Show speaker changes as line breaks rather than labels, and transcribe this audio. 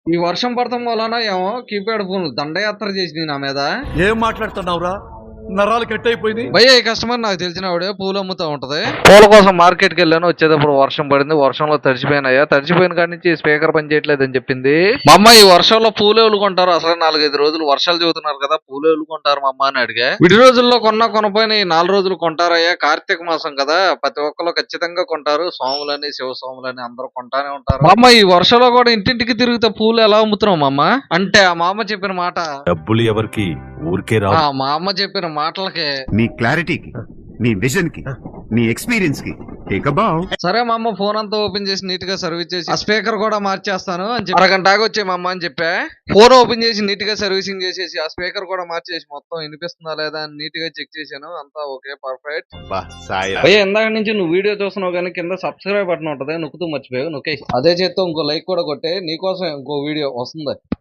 ఈ వర్షం పడటం వలన ఏమో కీప్యాడ్ ఫోన్ దండయాత్ర చేసింది నా మీద.
ఏం మాట్లాడుతున్నావురా? నరాలు కట్ అయిపోయింది.
భయ్య ఈ కస్టమర్ నాకు తెలిసినవాడే పూలు అమ్ముతా ఉంటది. పూల కోసం మార్కెట్ కి వెళ్ళాను, వచ్చేటప్పుడు వర్షం పడింది, వర్షంలో తడిచిపోయినాయా, తడిచిపోయిన కాడి నుంచి స్పీకర్ పని చేయట్లేదు అని చెప్పింది. మా అమ్మ ఈ వర్షంలో పూలు కొంటారు, అసలు 4-5 రోజులు వర్షాలు చదువుతున్నారు కదా, పూలు కొంటారు మా అమ్మ అని అడిగా. విడి రోజుల్లో కొనపోయిన ఈ 4 రోజులు కొంటారయ్యా, కార్తీక మాసం కదా, ప్రతి ఒక్కరు ఖచ్చితంగా కొంటారు, స్వాములని శివ స్వాములని అందరూ కొంటానే ఉంటారు. మా అమ్మ ఈ వర్షంలో కూడా ఇంటింటికి తిరిగితే పూలు ఎలా అమ్ముతున్నావు మా అమ్మ అంటే, ఆ మా అమ్మ చెప్పిన మాట
డబ్బులు ఎవరికి ఊరికే రా.
మా అమ్మ చెప్పిన మాటలకే
నీ క్లారిటీకి, నీ విజన్ కి, నీ ఎక్స్పీరియన్స్ కి
సరే మా అమ్మ ఫోన్ అంతా ఓపెన్ చేసి నీట్ గా సర్వీస్ చేసి ఆ స్పీకర్ కూడా మార్చేస్తాను అని చెప్పి అరగంట వచ్చే మా అమ్మ అని చెప్పా. ఫోన్ ఓపెన్ చేసి నీట్ గా సర్వీసింగ్ చేసేసి ఆ స్పీకర్ కూడా మార్చేసి మొత్తం వినిపిస్తుందా లేదా అని నీట్ గా చెక్ చేశాను, అంతా ఓకే పర్ఫెక్ట్. భయ్య ఇందాక నుంచి నువ్వు వీడియో చూస్తున్నావు కానీ కింద సబ్స్క్రైబ్ బటన్ ఉంటది, నొక్కుతూ మర్చిపోయావు, నొక్కే అదే చేత్తో ఇంకో లైక్ కూడా కొట్టే, నీకోసం ఇంకో వీడియో వస్తుంది.